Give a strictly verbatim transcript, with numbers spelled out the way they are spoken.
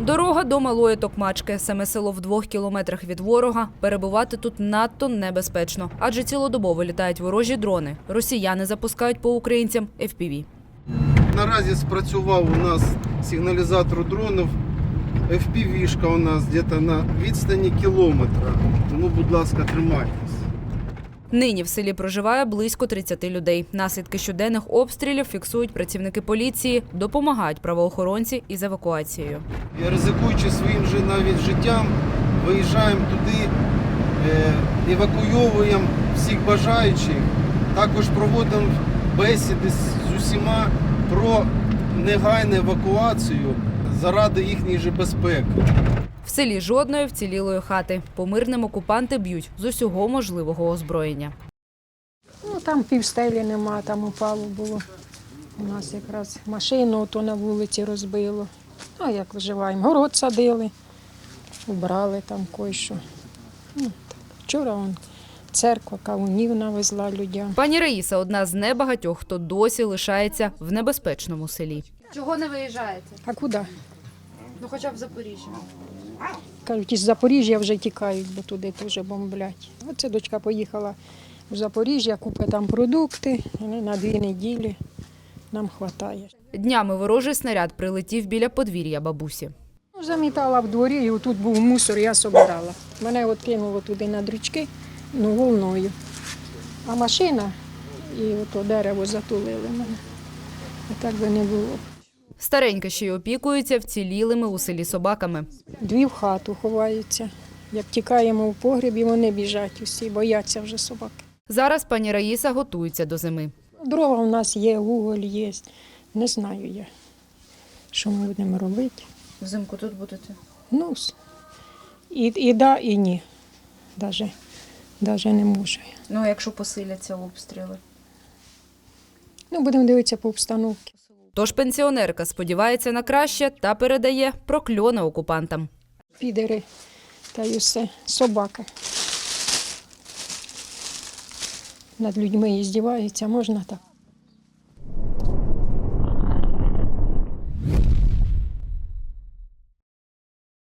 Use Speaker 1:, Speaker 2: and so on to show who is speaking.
Speaker 1: Дорога до Малої Токмачки. Саме село в двох кілометрах від ворога. Перебувати тут надто небезпечно. Адже цілодобово літають ворожі дрони. Росіяни запускають по українцям еф пі ві.
Speaker 2: Наразі спрацював у нас сигналізатор дронів. еф пі ві-шка у нас десь на відстані кілометра. Тому, будь ласка, тримайтесь.
Speaker 1: Нині в селі проживає близько тридцяти людей. Наслідки щоденних обстрілів фіксують працівники поліції, допомагають правоохоронці із евакуацією.
Speaker 2: І ризикуючи своїм же навіть життям, виїжджаємо туди, евакуйовуємо всіх бажаючих. Також проводимо бесіди з усіма про негайну евакуацію заради їхньої же безпеки.
Speaker 1: В селі жодної вцілілої хати. По мирним окупанти б'ють з усього можливого озброєння.
Speaker 3: Ну, там півстелі нема, там упало було. У нас якраз машину ото на вулиці розбило. А як виживаємо? Город садили, убрали там кое-що. Ну, так. Вчора он, церква кавунів навезла людям.
Speaker 1: Пані Раїса – одна з небагатьох, хто досі лишається в небезпечному селі.
Speaker 4: Чого не виїжджаєте?
Speaker 3: А куди?
Speaker 4: Ну хоча б в Запоріжжя.
Speaker 3: Кажуть, із Запоріжжя вже тікають, бо туди теж бомблять. Оце дочка поїхала в Запоріжжя, купить там продукти, на дві неділі нам вистачає.
Speaker 1: Днями ворожий снаряд прилетів біля подвір'я бабусі.
Speaker 3: Замітала в дворі, і тут був мусор, я собирала. Мене от кинуло туди на дрючки, ну, волною. А машина і ото дерево затулили мене. А так би не було.
Speaker 1: Старенька ще й опікується вцілілими у селі собаками.
Speaker 3: Дві в хату ховаються. Як тікаємо в погріб, і вони біжать усі, бояться вже собак.
Speaker 1: Зараз пані Раїса готується до зими.
Speaker 3: Дрова у нас є, уголь є. Не знаю я, що ми будемо робити.
Speaker 4: Взимку тут будете?
Speaker 3: Ну, і, і да, і ні. Даже, даже не можу.
Speaker 4: Ну, а якщо посиляться обстріли?
Speaker 3: Ну, будемо дивитися по обстановці.
Speaker 1: Тож пенсіонерка сподівається на краще та передає прокльони окупантам.
Speaker 3: Підери та й усе, собака. Над людьми і здіваються, можна так.